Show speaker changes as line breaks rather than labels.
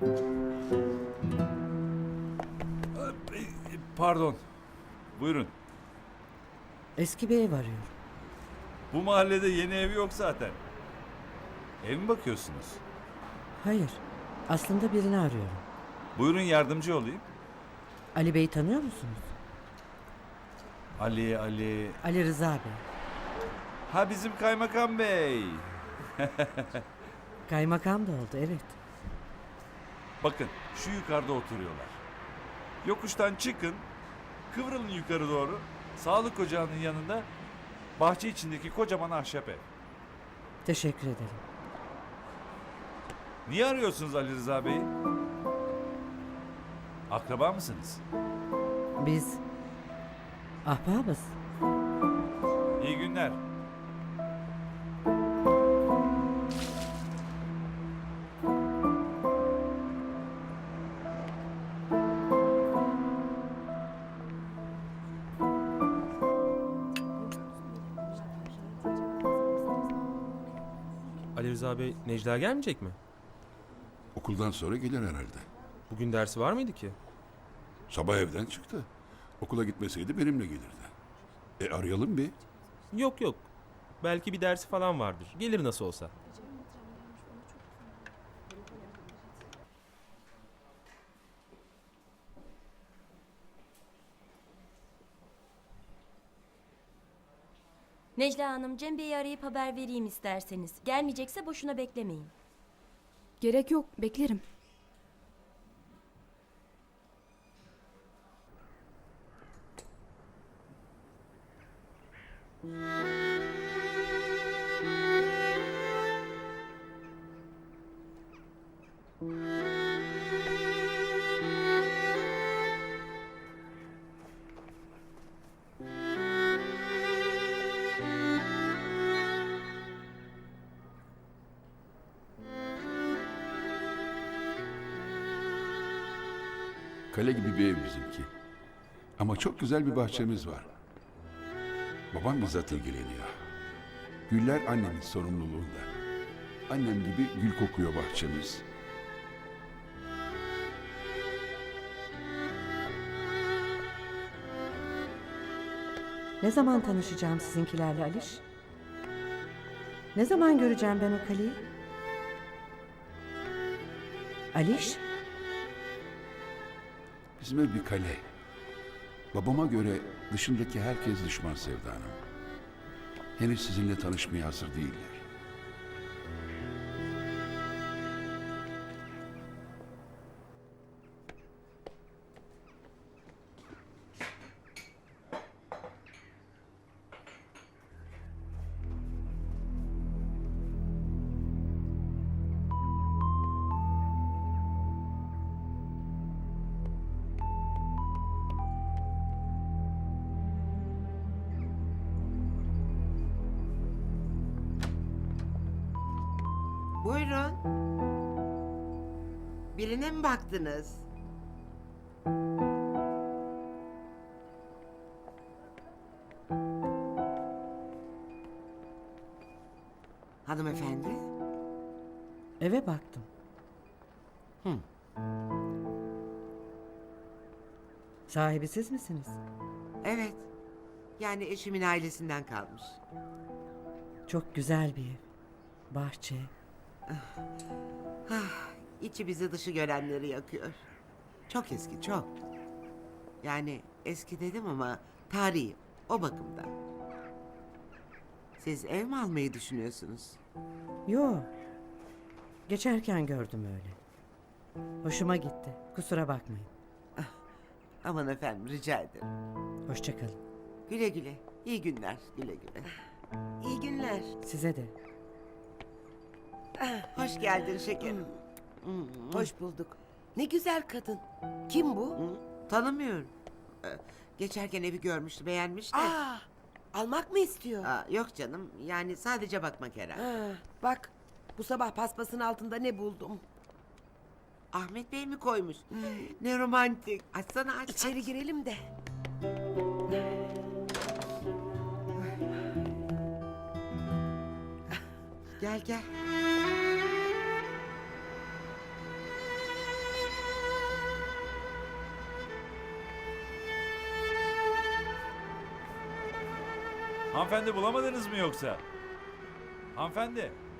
Pardon. Buyurun.
Eski bir ev arıyorum.
Bu mahallede yeni ev yok zaten. Ev mi bakıyorsunuz?
Hayır. Aslında birini arıyorum.
Buyurun yardımcı olayım.
Ali Bey'i tanıyor musunuz?
Ali.
Ali Rıza Bey.
Ha, bizim kaymakam bey.
Kaymakam da oldu, evet.
Bakın şu yukarıda oturuyorlar. Yokuştan çıkın. Kıvrılın yukarı doğru. Sağlık ocağının yanında bahçe içindeki kocaman ahşap ev.
Teşekkür ederim.
Niye arıyorsunuz Ali Rıza Bey'i? Akraba mısınız?
Biz ahbabız.
İyi günler.
Ali Rıza Bey, Necla gelmeyecek mi?
Okuldan sonra gelir herhalde.
Bugün dersi var mıydı ki?
Sabah evden çıktı. Okula gitmeseydi benimle gelirdi. Arayalım bir.
Yok. Belki bir dersi falan vardır. Gelir nasıl olsa.
Necla Hanım, Cem Bey'i arayıp haber vereyim isterseniz. Gelmeyecekse boşuna beklemeyin.
Gerek yok, beklerim.
Kale gibi bir ev bizimki. Ama çok güzel bir bahçemiz var. Babam bizzat ilgileniyor. Güller annemin sorumluluğunda. Annem gibi gül kokuyor bahçemiz.
Ne zaman tanışacağım sizinkilerle Aliş? Ne zaman göreceğim ben o kaleyi? Aliş?
Bizim ev bir kale. Babama göre dışındaki herkes düşman Sevda Hanım. Henüz sizinle tanışmaya hazır değiller.
Buyurun. Birine mi baktınız? Hanımefendi?
Eve baktım. Sahibi siz misiniz?
Evet. Yani eşimin ailesinden kalmış.
Çok güzel bir ev. Bahçe.
İçi bizi dışı görenleri yakıyor. Çok eski, çok. Yani eski dedim ama tarihi, o bakımdan. Siz ev mi almayı düşünüyorsunuz?
Yo. Geçerken gördüm öyle. Hoşuma gitti. Kusura bakmayın.
Aman efendim, rica ederim.
Hoşça kalın.
Güle güle. İyi günler, güle güle. İyi günler.
Size de.
Hoş geldin şekerim.
Hoş bulduk. Ne güzel kadın. Kim bu?
Tanımıyorum. Geçerken evi görmüştü, beğenmiş de.
Almak mı istiyor?
Yok canım, yani sadece bakmak herhalde.
Bak, bu sabah paspasın altında ne buldum?
Ahmet Bey mi koymuş? Ne romantik. Açsana, aç.
İçeri
aç.
girelim de.
Gel gel.
Hanımefendi bulamadınız mı yoksa? Hanımefendi.